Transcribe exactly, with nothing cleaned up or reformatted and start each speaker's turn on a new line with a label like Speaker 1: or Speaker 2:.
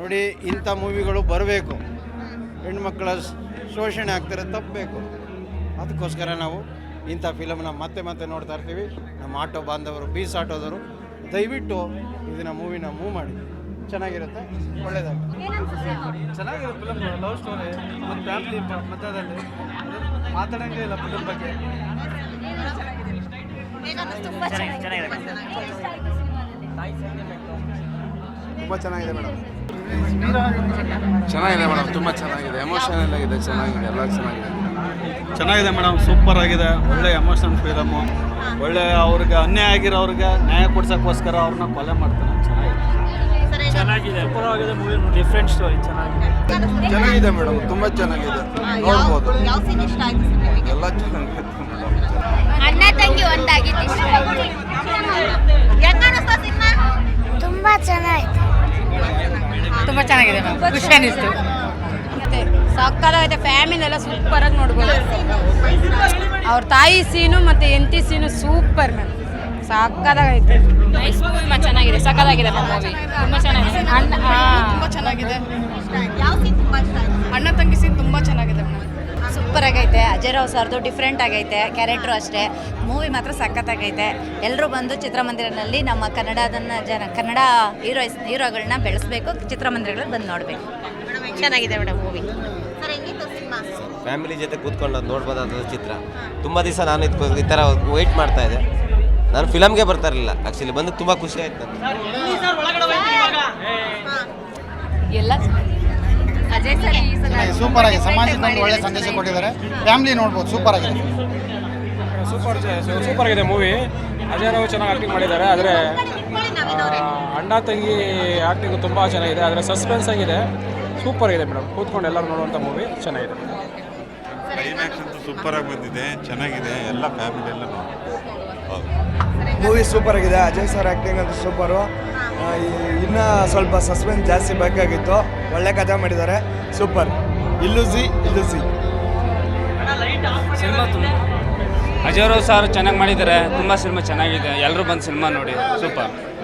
Speaker 1: ನೋಡಿ, ಇಂಥ ಮೂವಿಗಳು ಬರಬೇಕು. ಹೆಣ್ಮಕ್ಳ ಶೋಷಣೆ ಆಗ್ತಾರೆ, ತಪ್ಪಬೇಕು. ಅದಕ್ಕೋಸ್ಕರ ನಾವು ಇಂಥ ಫಿಲಮ್ನ ಮತ್ತೆ ಮತ್ತೆ ನೋಡ್ತಾ ಇರ್ತೀವಿ. ನಮ್ಮ ಆಟೋ ಬಾಂಧವರು, ಬೀಸ್ ಆಟೋದವರು ದಯವಿಟ್ಟು ಇದನ್ನ ಮೂವಿನ ಮೂವ್ ಮಾಡಿ, ಚೆನ್ನಾಗಿರುತ್ತೆ, ಒಳ್ಳೆಯದಾಗುತ್ತೆ.
Speaker 2: ಚೆನ್ನಾಗಿದೆ ಫಿಲಮ್. ಲವ್ ಸ್ಟೋರಿ ಮತ್ತು ಫ್ಯಾಮಿಲಿ ಮಧ್ಯದಲ್ಲಿ ಮಾತಾಡೋಂಗೆ ಇಲ್ಲ ಫಿಲಮ್ ಬಗ್ಗೆ.
Speaker 1: ತುಂಬ ಚೆನ್ನಾಗಿದೆ ಮೇಡಮ್.
Speaker 3: ಚೆನ್ನಾಗಿದೆ ಮೇಡಮ್, ತುಂಬ ಚೆನ್ನಾಗಿದೆ, ಎಮೋಷನಲ್ ಆಗಿದೆ, ಚೆನ್ನಾಗಿದೆ, ಎಲ್ಲ ಚೆನ್ನಾಗಿದೆ.
Speaker 2: ಚೆನ್ನಾಗಿದೆ ಮೇಡಮ್, ಸೂಪರ್ ಆಗಿದೆ. ಒಳ್ಳೆ ಎಮೋಷನಲ್ ಫಿಲಮು. ಒಳ್ಳೆ ಅವ್ರಿಗೆ ಅನ್ಯಾಯ ಆಗಿರೋರಿಗೆ ನ್ಯಾಯ ಕೊಡ್ಸೋಕ್ಕೋಸ್ಕರ ಅವ್ರನ್ನ ಕೊಲೆ ಮಾಡ್ತಾನೆ. ಚೆನ್ನಾಗಿದೆ ಚೆನ್ನಾಗಿದೆ ಸೂಪರ್ ಆಗಿದೆ ಮೂವಿ. ಡಿಫ್ರೆಂಟ್ ಸ್ಟೋರಿ, ಚೆನ್ನಾಗಿದೆ
Speaker 3: ಚೆನ್ನಾಗಿದೆ ಮೇಡಮ್, ತುಂಬ ಚೆನ್ನಾಗಿದೆ, ನೋಡ್ಬೋದು. ಎಲ್ಲ ಚೆನ್ನಾಗಿದೆ.
Speaker 4: ಅಣ್ಣ ತಂಗಿ ಒಂದಾಗಿದ್ದು ಇಷ್ಟ ಆಯ್ತು. ತುಂಬ ಚೆನ್ನಾಗಿದೆ,
Speaker 5: ತುಂಬ ಚೆನ್ನಾಗಿದೆ, ಖುಷಿ ಅನಿಸ್ತು. ಮತ್ತೆ ಸಕ್ಕತ್ತಾಗೈತೆ, ಫ್ಯಾಮಿಲಿನೆಲ್ಲ ಸೂಪರಾಗಿ ನೋಡ್ಬೋದು. ಅವ್ರ ತಾಯಿ ಸೀನು ಮತ್ತು ಎಂಟಿ ಸೀನು ಸೂಪರ್ ಮ್ಯಾಮ್, ಸಕ್ಕತ್ತಾಗೈತೆ.
Speaker 6: ನೈಸ್ ಮೂವಿ, ಮ ಚೆನ್ನಾಗಿದೆ, ಸಕ್ಕತ್ತಾಗಿದೆ ಮೂವಿ, ತುಂಬ ಚೆನ್ನಾಗಿದೆ.
Speaker 5: ಅಣ್ಣ ತುಂಬ ಚೆನ್ನಾಗಿದೆ. ಅಣ್ಣ ತಂಗಿ ಸೀನ್ ತುಂಬ ಚೆನ್ನಾಗಿದೆ ಮೇಡಮ್.
Speaker 7: ಸೂಪರ್ ಆಗೈತೆ. ಅಜಯ್ ರಾವ್ ಸರ್ದು ಡಿಫ್ರೆಂಟ್ ಆಗೈತೆ, ಕ್ಯಾರೆಕ್ಟ್ರು ಅಷ್ಟೇ. ಮೂವಿ ಮಾತ್ರ ಸಖತ್ತಾಗೈತೆ. ಎಲ್ಲರೂ ಬಂದು ಚಿತ್ರಮಂದಿರದಲ್ಲಿ ನಮ್ಮ ಕನ್ನಡದನ್ನ ಜನ ಕನ್ನಡ ಹೀರೋಯಿಸ್ ಹೀರೋಗಳನ್ನ ಬೆಳೆಸಬೇಕು, ಚಿತ್ರಮಂದಿರಗಳಲ್ಲಿ ಬಂದು ನೋಡಬೇಕು.
Speaker 6: ಚೆನ್ನಾಗಿದೆ ಮೇಡಮ್ ಮೂವಿ.
Speaker 8: ಫ್ಯಾಮಿಲಿ ಜೊತೆ ಕೂತ್ಕೊಂಡು ಅದು ನೋಡ್ಬೋದಾದ ಚಿತ್ರ. ತುಂಬ ದಿವಸ ನಾನು ಇದಕ್ಕೂ ಈ ಥರ ವೆಯ್ಟ್ ಮಾಡ್ತಾ ಇದ್ದೆ. ನಾನು ಫಿಲಮ್ಗೆ ಬರ್ತಾ ಇರಲಿಲ್ಲ, ಆ್ಯಕ್ಚುಲಿ ಬಂದು ತುಂಬ ಖುಷಿ ಆಯ್ತು ನನಗೆ.
Speaker 7: ಎಲ್ಲ
Speaker 5: ಅಜಯ್ ಸರ್ ಈ ಸಲ
Speaker 1: ಸೂಪರ್ ಆಗಿದೆ, ಸಮಾಜಕ್ಕೆ ಒಂದು ಒಳ್ಳೆ ಸಂದೇಶ ಕೊಟ್ಟಿದ್ದಾರೆ. ಫ್ಯಾಮಿಲಿ ನೋಡ್ಬೋದು, ಸೂಪರ್ ಆಗಿದೆ.
Speaker 9: ಸೂಪರ್ ಸೂಪರ್ ಆಗಿದೆ ಮೂವಿ. ಅಜಯ್ ರಾವ್ ಚೆನ್ನಾಗಿ ಆ್ಯಕ್ಟಿಂಗ್ ಮಾಡಿದ್ದಾರೆ. ಆದರೆ ಅಣ್ಣ ತಂಗಿ ಆ್ಯಕ್ಟಿಂಗು ತುಂಬ ಚೆನ್ನಾಗಿದೆ. ಆದರೆ ಸಸ್ಪೆನ್ಸ್ ಆಗಿದೆ, ಸೂಪರ್ ಆಗಿದೆ ಮೇಡಮ್. ಕೂತ್ಕೊಂಡು ಎಲ್ಲರೂ ನೋಡುವಂಥ ಮೂವಿ ಚೆನ್ನಾಗಿದೆ.
Speaker 10: ಕ್ಲೈಮ್ಯಾಕ್ಸ್ ಅಂತೂ ಸೂಪರಾಗಿ ಬಂದಿದೆ, ಚೆನ್ನಾಗಿದೆ, ಎಲ್ಲ ಫ್ಯಾಮಿಲಿ ಎಲ್ಲ
Speaker 3: ಮೂವಿ ಸೂಪರ್ ಆಗಿದೆ. ಅಜಯ್ ಸರ್ ಆ್ಯಕ್ಟಿಂಗ್ ಅಂತೂ ಸೂಪರು. ಇನ್ನೂ ಸ್ವಲ್ಪ ಸಸ್ಪೆನ್ಸ್ ಜಾಸ್ತಿ ಬೇಕಾಗಿತ್ತು. ಒಳ್ಳೆ ಕಥೆ ಮಾಡಿದ್ದಾರೆ, ಸೂಪರ್. ಇಲ್ಲುಸಿ ಇಲ್ಲುಸಿ
Speaker 9: ಸಿನಿಮಾ ತುಂಬ ಅಜಯ್ ರಾವ್ ಸರ್ ಚೆನ್ನಾಗಿ ಮಾಡಿದ್ದಾರೆ. ತುಂಬ ಸಿನಿಮಾ ಚೆನ್ನಾಗಿದೆ, ಎಲ್ಲರೂ ಬಂದು ಸಿನಿಮಾ ನೋಡಿ, ಸೂಪರ್.